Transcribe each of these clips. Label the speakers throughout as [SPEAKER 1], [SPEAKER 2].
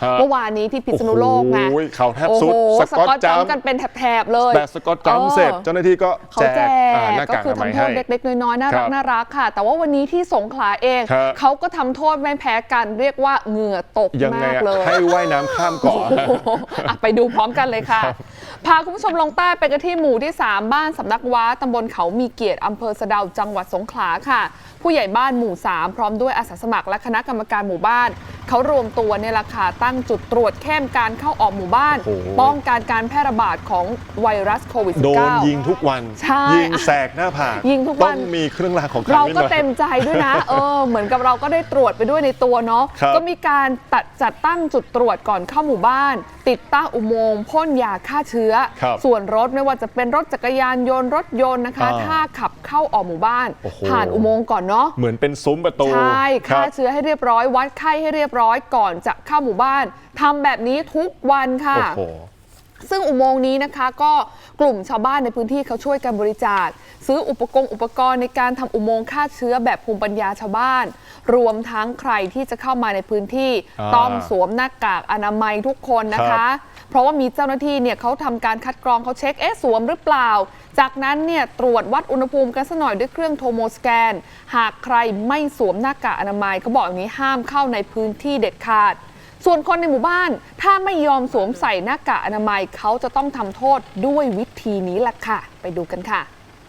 [SPEAKER 1] เมื่อวานนี้ที่พิษณุโลกนะ
[SPEAKER 2] เขาแทบสุด
[SPEAKER 1] สกอตจัมป์กันเป็นแถบๆเลย
[SPEAKER 2] แต่สกอตจัมป์เสร็จเจ้าหน้าที่ก็แจกหน้ากากอนามัยให้
[SPEAKER 1] ก็คือทำโทษเล็กๆน้อยๆน่ารักค่ะแต่ว่าวันนี้ที่สงขลาเองเขาก็ทำโทษไม่แพ้กันเรียกว่าเหงื่อตกมากเลย
[SPEAKER 2] ให้ว่ายน้ำข้ามเกาะ
[SPEAKER 1] ไปดูพร้อมกันเลยค่ะพาคุณผู้ชมลงใต้ไปกันที่หมู่ที่3บ้านสำนักว้าตำบลเขามีเกียรติอำเภอสะเดาจังหวัดสงขลาค่ะผู้ใหญ่บ้านหมู่3พร้อมด้วยอาสาสมัครและคณะกรรมการหมู่บ้านเขารวมตัวเนี่ยแหละค่ะตั้งจุดตรวจเข้มการเข้าออกหมู่บ้านป้องกันการแพร่ระบาดของไวรัสโควิด -19
[SPEAKER 2] โดนยิงทุกวันยิงแสกหน้าผาก
[SPEAKER 1] ยิงทุกวัน
[SPEAKER 2] ต้องมีเครื่องรางของ
[SPEAKER 1] เราก็เต็มใจด้วยนะเหมือนกับเราก็ได้ตรวจไปด้วยในตัวเนาะก็มีการจัดตั้งจุดตรวจก่อนเข้าหมู่บ้านติดตั้งอุโมงค์พ่นยาฆ่าเชื้อส่วนรถไม่ว่าจะเป็นรถจักรยานยนต์รถยนต์นะคะถ้าขับเข้าออกหมู่บ้านผ่านอุโมงค์ก่อนเนาะ
[SPEAKER 2] เหมือนเป็นซุ้มประตู
[SPEAKER 1] ใช่ฆ่าเชื้อให้เรียบร้อยวัดไข้ให้เรียบร้อยก่อนจะเข้าหมู่บ้านทำแบบนี้ทุกวันค่ะซึ่งอุโมงค์นี้นะคะก็กลุ่มชาวบ้านในพื้นที่เขาช่วยกันบริจาคซื้ออุปกรณ์ในการทำอุโมงค์ฆ่าเชื้อแบบภูมิปัญญาชาวบ้านรวมทั้งใครที่จะเข้ามาในพื้นที่ต้องสวมหน้ากากอนามัยทุกคนนะคะเพราะว่ามีเจ้าหน้าที่เนี่ยเขาทำการคัดกรองเขาเช็คสวมหรือเปล่าจากนั้นเนี่ยตรวจวัดอุณหภูมิกันสักหน่อยด้วยเครื่องโทโมสแกนหากใครไม่สวมหน้ากากอนามัยเขาบอกอย่างนี้ห้ามเข้าในพื้นที่เด็ดขาดส่วนคนในหมู่บ้านถ้าไม่ยอมสวมใส่หน้ากากอนามัยเขาจะต้องทำโทษด้วยวิธีนี้แหละค่ะไปดูกันค่ะ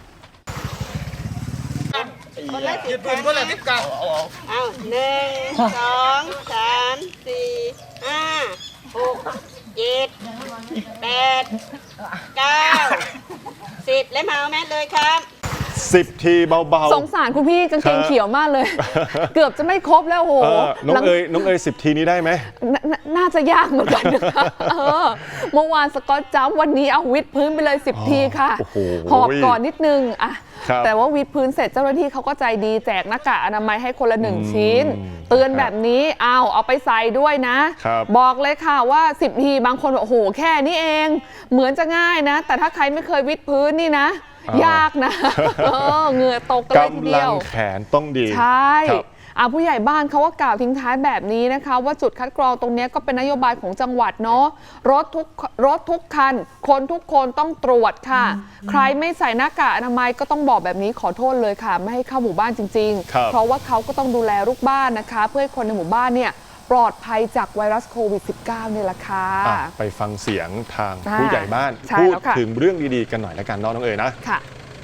[SPEAKER 3] ยืดพื้นก็เลยทิศกันเอา1 2 3 4 5 6 7 8 9 10และเมาแม่เลยครับ
[SPEAKER 2] 10 ทีเบา
[SPEAKER 1] ๆสงสารคุณพี่กางเกงเขียวมากเลยเกือบจะไม่ครบแล้วโห
[SPEAKER 2] น้องเอ๋ย10 ทีนี้ได้ไหม
[SPEAKER 1] น่าจะยากเหมือนกันเมื่อวานสกอตจัมป์วันนี้เอาวิดพื้นไปเลย10 ทีค่ะหอบก่อนนิดนึงอะแต่ว่าวิดพื้นเสร็จเจ้าหน้าที่เขาก็ใจดีแจกหน้ากากอนามัยให้คนละ1 ชิ้นเตือนแบบนี้เอาไปใส่ด้วยนะบอกเลยค่ะว่า10 ทีบางคนบอกโอ้โหแค่นี้เองเหมือนจะง่ายนะแต่ถ้าใครไม่เคยวิดพื้นนี่นะยากนะเหงื่อตกเลยทีเดียว
[SPEAKER 2] กำลังแขนต้องดี
[SPEAKER 1] ใช่ผู้ใหญ่บ้านเขาก็กล่าวทิ้งท้ายแบบนี้นะคะว่าจุดคัดกรองตรงนี้ก็เป็นนโยบายของจังหวัดเนาะรถทุกคันคนทุกคนต้องตรวจค่ะใครไม่ใส่หน้ากากอนามัยก็ต้องบอกแบบนี้ขอโทษเลยค่ะไม่ให้เข้าหมู่บ้านจริงๆเพราะว่าเขาก็ต้องดูแลลูกบ้านนะคะเพื่อให้คนในหมู่บ้านเนี่ยปลอดภัยจากไวรัสโควิด -19 นี่แหละค่ะ
[SPEAKER 2] ไปฟังเสียงทางผู้ใหญ่บ้านพูดถึงเรื่องดีๆกันหน่อยละกันน้องเอ๋ยนะ
[SPEAKER 1] ค่ะ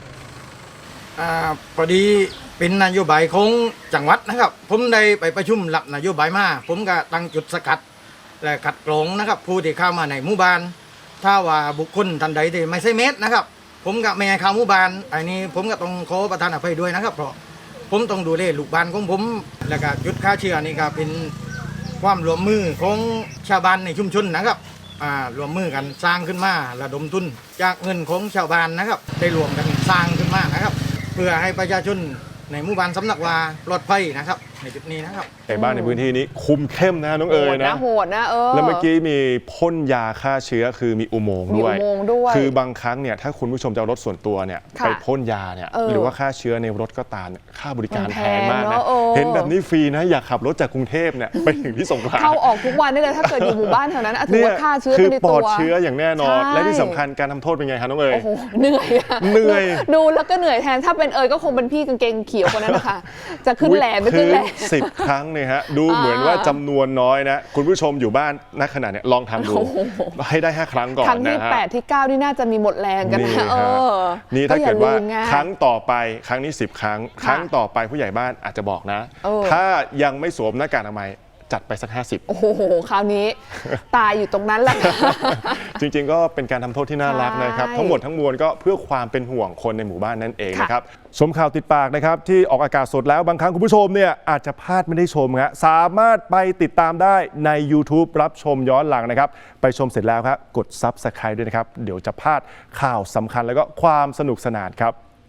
[SPEAKER 4] พอดีเป็นนโยบายของจังหวัดนะครับผมได้ไปประชุมหลับนโยบายมาผมก็ตั้งจุดสกัดและคัดกรองนะครับผู้ที่เข้ามาในหมู่บ้านถ้าว่าบุคคลท่านใดที่ไม่ใช่เม็ดนะครับผมก็ไม่ให้เข้าหมู่บ้านอันนี้ผมก็ต้องขอประทานอภัยด้วยนะครับเพราะผมต้องดูแลลูกบ้านของผมและก็จุดฆ่าเชื้อนี่ก็เป็นความร่วมมือของชาวบ้านในชุมชนนะครับรวมมือกันสร้างขึ้นมาระดมทุนจากเงินของชาวบ้านนะครับได้รวมกันสร้างขึ้นมานะครับเพื่อให้ประชาชนในหมู่บ้านสำนักวาปลอดภัยนะครับในจุดนี้นะครับ
[SPEAKER 2] แต่บ้านในพื้นที่นี้คุมเข้มนะน้องเอ๋ยนะ
[SPEAKER 1] โหดนะ
[SPEAKER 2] แล้วเมื่อกี้มีพ่นยาฆ่าเชื้อคือมีอุโมงค์ด้วยคือบางครั้งเนี่ยถ้าคุณผู้ชมจะรถส่วนตัวเนี่ยไปพ่นยาเนี่ยหรือว่าฆ่าเชื้อในรถก็ตามค่าบริการแพงมากนะเห็นแบบนี้ฟรีนะอยากขับรถจากกรุงเทพเนี่ยไปถึงที่สงขลา
[SPEAKER 1] เข้าออกทุกวันได้เลยถ้าเกิดอยู่หมู่บ้านแถวนั้นถือว่าฆ่าเชื้อเป็นในตัว
[SPEAKER 2] คือปลอดเชื้ออย่างแน่นอนและที่สำคัญการทำโทษเป็นไงครับน้องเอ๋ย
[SPEAKER 1] เหนื่อยดูแล้วก็เหนื่อยแทนถ้าเป็นก็คงเป็นพี่กางเกงเขียวคนนั้นนะคะจะขึ้นแหลมไม่ขึ้นแหลม
[SPEAKER 2] 10 ครั้งเนี่ยฮะดูเหมือนว่าจำนวนน้อยนะคุณผู้ชมอยู่บ้านณขณะเนี่ยลองทำดูให้ได้5 ครั้งก่อนนะ
[SPEAKER 1] ครั้งที่8ที่9นี่น่าจะมีหมดแรงกันนะ
[SPEAKER 2] นี่ถ้าเกิดว่าครั้งต่อไปครั้งนี้10 ครั้งครั้งต่อไปผู้ใหญ่บ้านอาจจะบอกนะถ้ายังไม่สวมหน้ากากอนามัยจัดไปสัก50
[SPEAKER 1] โอ้โหคราวนี้ตายอยู่ตรงนั้นแหละ
[SPEAKER 2] จริงๆก็เป็นการทำโทษที่น่ารักนะครับทั้งหมดทั้งมวลก็เพื่อความเป็นห่วงคนในหมู่บ้านนั่นเองนะครับชมข่าวติดปากนะครับที่ออกอากาศสดแล้วบางครั้งคุณผู้ชมเนี่ยอาจจะพลาดไม่ได้ชมครับสามารถไปติดตามได้ใน YouTube รับชมย้อนหลังนะครับไปชมเสร็จแล้วครับกด Subscribe ด้วยนะครับเดี๋ยวจะพลาดข่าวสำคัญแล้วก็ความสนุกสนานครับ